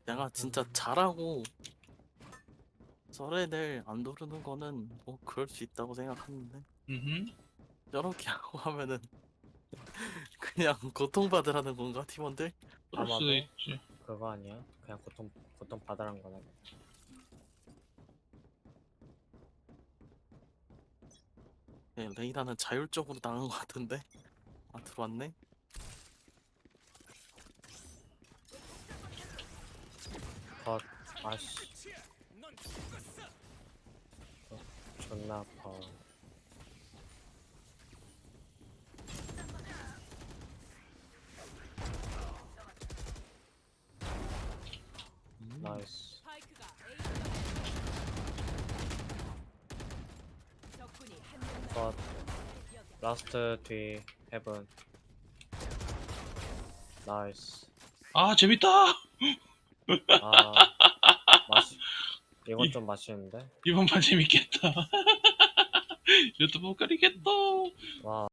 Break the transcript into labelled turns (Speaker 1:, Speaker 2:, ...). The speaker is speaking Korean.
Speaker 1: 내가 진짜 잘하고 썰애들 안 도르는 거는 뭐 그럴 수 있다고 생각하는데 저렇게 하고 하면은 그냥 고통받으라는 건가 팀원들?
Speaker 2: 그럴 수도
Speaker 3: 아마도
Speaker 2: 있지.
Speaker 3: 그거 아니야? 그냥 고통 받으란 거네.
Speaker 1: 네, 레이나는 자율적으로 나간 것 같은데? 아 들어왔네?
Speaker 3: 컷. 아씨. 존나 아파. 나이스.
Speaker 4: 스파이크가 A 적군이 한명
Speaker 3: 컷. 라스트 뒤 헤븐. 나이스.
Speaker 2: 아 재밌다.
Speaker 3: 아 맛이 이건 좀 맛있는데.
Speaker 2: 이번 판 재밌겠다. 이것도 못 가리겠다.
Speaker 3: 와.